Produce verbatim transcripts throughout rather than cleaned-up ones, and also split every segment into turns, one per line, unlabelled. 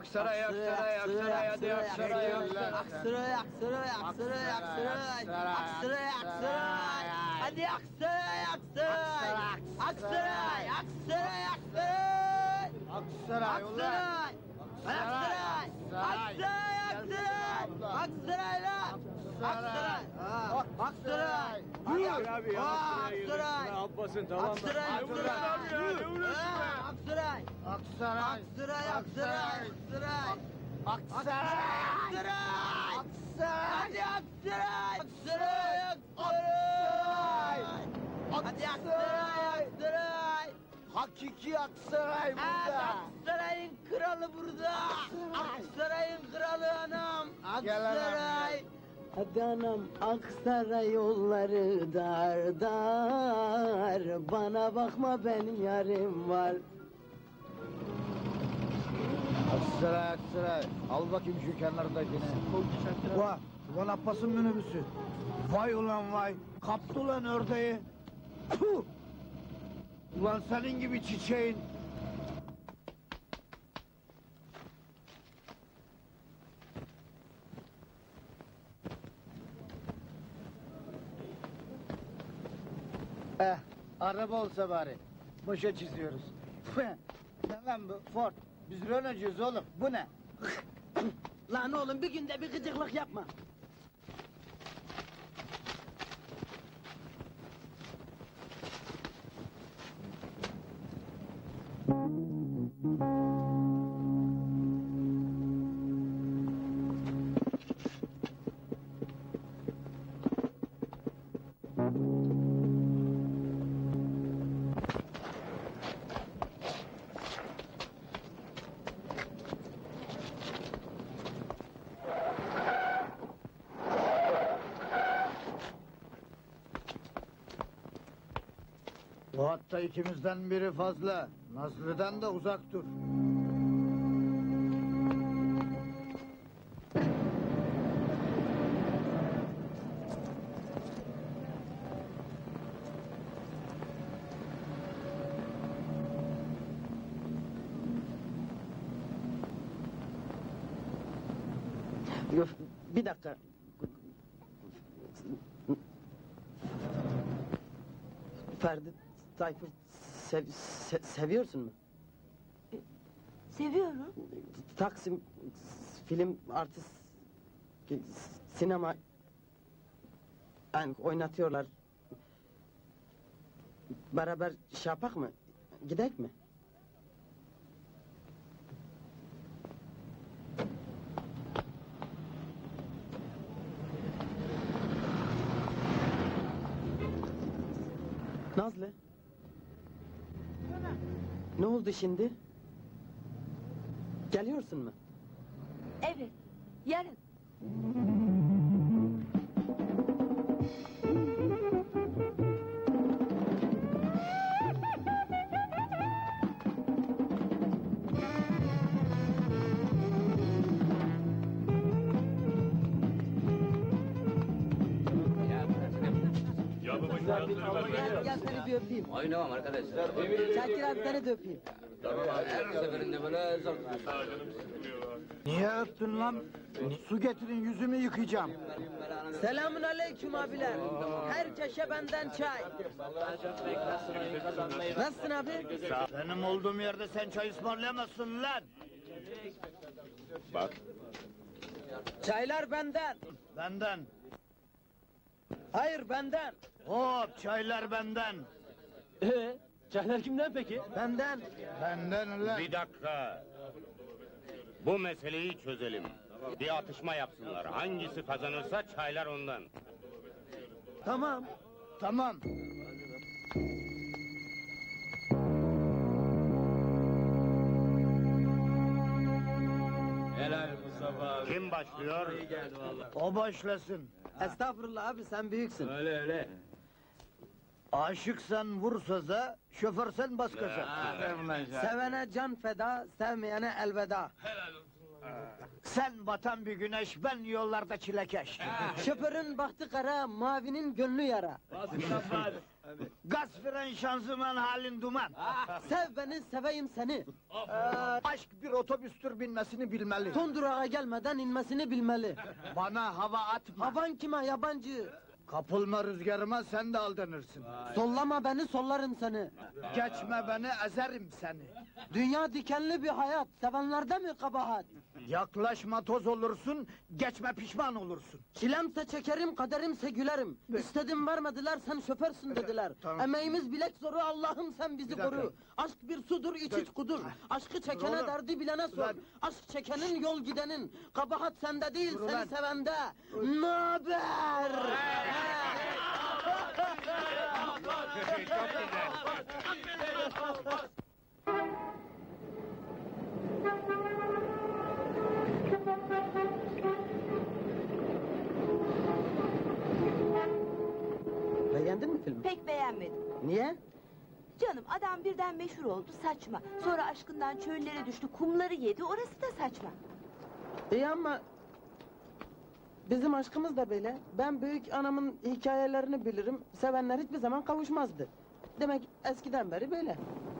Aksaray, Aksaray, Aksaray, hadi Aksaray, Aksaray.
Aksaray, Aksaray, Aksaray, Aksaray. Aksaray, Aksaray. Hadi Aksaray, Aksaray. Aksaray, Aksaray, Aksaray.
Aksaray ulan.
Aksaray. Aksaray. Aksaray, Aksaray. Aksaray lan. Aksaray. Ha, Aksaray.
Aksaray abi ya,
Ha,
Aksaray'a gidiyoruz.
Aksaray.
Ne yapmasın, tamam mı?
Aksaray,
Ay, ulan
Aksaray.
abi ya, ne uğraşıyorsun
Ha,
be?
Aksaray.
Aksaray.
Aksaray, Aksaray, Aksaray.
Aksaray.
Aksaray.
Aksaray.
Hadi Aksaray. Aksaray, Aksaray. Hadi Aksaray, Aksaray.
Hakiki Aksaray
Evet,
burada.
Aksaray'ın kralı burada. Aksaray'ın kralı anam.
Gel anam,
Aksaray.
Hadi anam Aksaray yolları dar dar. Bana bakma benim yarim var.
Aksaray, Aksaray. Al bakayım şu kenardakini. Vay, ulan Abbas'ın minibüsü. Vay ulan vay. Kaptı ulan ördeği. Puh! Ulan senin gibi çiçeğin. Eh, araba olsa bari. Boşa çiziyoruz. Ne lan bu? Ford. Biz Renault'cuyuz oğlum. Bu ne?
Lan oğlum bir günde bir gıcıklık yapma.
Bu hatta ikimizden biri fazla. Nazlı'dan da uzak dur.
Yok, bir dakika. Ferdi Tayfur sev, se- seviyorsun mu?
Seviyorum.
Taksim film artist sinema yani oynatıyorlar. Beraber şey yapak mı? Gidek mi? Nazlı. Ne oldu şimdi? Geliyorsun mu?
Evet. Yarın.
Gel, gel seni bir öpeyim.
Oynamam arkadaş.
Şakir abi seni de öpeyim.
Her seferinde böyle zor tutuyorsun.
Niye öptün lan? Su getirin, yüzümü yıkayacağım.
Selamun aleyküm abiler. Her çeşe benden çay. Nasılsın abi?
Benim olduğum yerde sen çay ısmarlayamazsın lan.
Bak.
Çaylar benden.
Benden.
Hayır benden.
Hop, çaylar benden.
Ee, çaylar kimden peki? Benden.
Benden lan.
Bir dakika. Bu meseleyi çözelim. Bir atışma yapsınlar. Hangisi kazanırsa çaylar ondan.
Tamam.
Tamam.
Helal Mustafa abi.
Kim başlıyor?
İyi geldi valla.
O başlasın.
Estağfurullah abi sen büyüksün.
Öyle öyle.
Aşıksan vur söze, şoförsen bas gaza.
Sevene can feda, sevmeyene elveda.
Sen batan bir güneş, ben yollarda çilekeş.
Şoförün bahtı kara, mavinin gönlü yara.
Gaz fren şanzıman halin duman.
Sev beni, seveyim seni.
Aşk bir otobüstür binmesini bilmeli.
Son durağa gelmeden inmesini bilmeli.
Bana hava atma.
Havan kime yabancı?
Kapılma rüzgarıma, sen de aldanırsın.
Sollama beni, sollarım seni.
Geçme beni, ezerim seni.
Dünya dikenli bir hayat, sevenlerde mi kabahat?
Yaklaşma, toz olursun, geçme pişman olursun.
Çilemse çekerim, kaderimse gülerim. İstedim vermediler, sen şoförsün dediler.
Tamam.
Emeğimiz bilek zoru, Allah'ım sen bizi
Bir dakika.
koru. Aşk bir sudur, iç iç kudur. Aşkı çekene
Oğlum.
derdi bilene sor.
Ulan.
Aşk çekenin yol gidenin. Kabahat sende değil,
Dur
seni
ulan.
sevende. Naber?
Çok güzel.
Beğendin mi filmi?
Pek beğenmedim.
Niye?
Canım adam birden meşhur oldu saçma. Sonra aşkından çöllere düştü kumları yedi orası da saçma.
İyi ama... Bizim aşkımız da böyle. Ben büyük anamın hikayelerini bilirim. Sevenler hiçbir zaman kavuşmazdı. Demek eskiden beri böyle.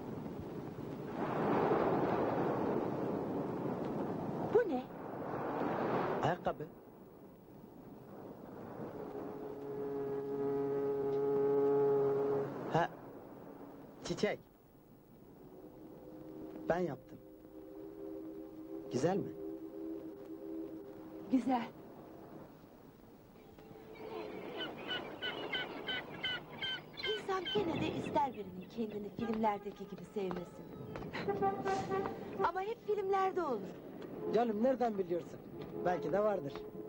Bu ne?
Ayakkabı. Ha, çiçek. Ben yaptım. Güzel mi?
Güzel. İnsan gene de ister birinin kendini filmlerdeki gibi sevmesini. Ama hep filmlerde olur.
Canım nereden biliyorsun? Belki de vardır.